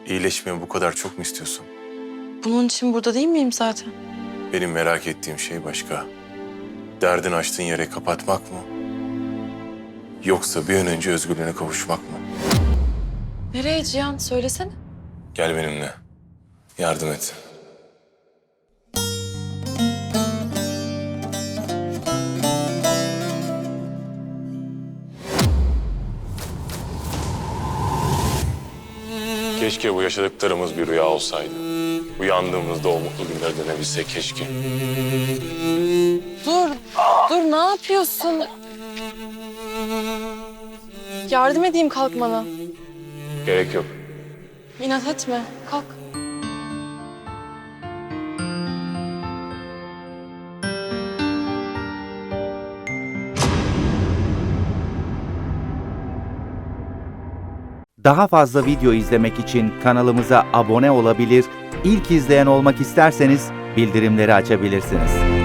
İyileşmeyi bu kadar çok mu istiyorsun? Bunun için burada değil miyim zaten? Benim merak ettiğim şey başka. Derdin açtığın yere kapatmak mı? Yoksa bir an önce özgürlüğüne kavuşmak mı? Nereye Cihan? Söylesene. Gel benimle. Yardım et. Keşke bu yaşadıklarımız bir rüya olsaydı. Uyandığımızda o mutlu günleri dönebilsek keşke. Dur ne yapıyorsun? Yardım edeyim kalkmana. Gerek yok. İnat etme, kalk. Daha fazla video izlemek için kanalımıza abone olabilir, ilk izleyen olmak isterseniz bildirimleri açabilirsiniz.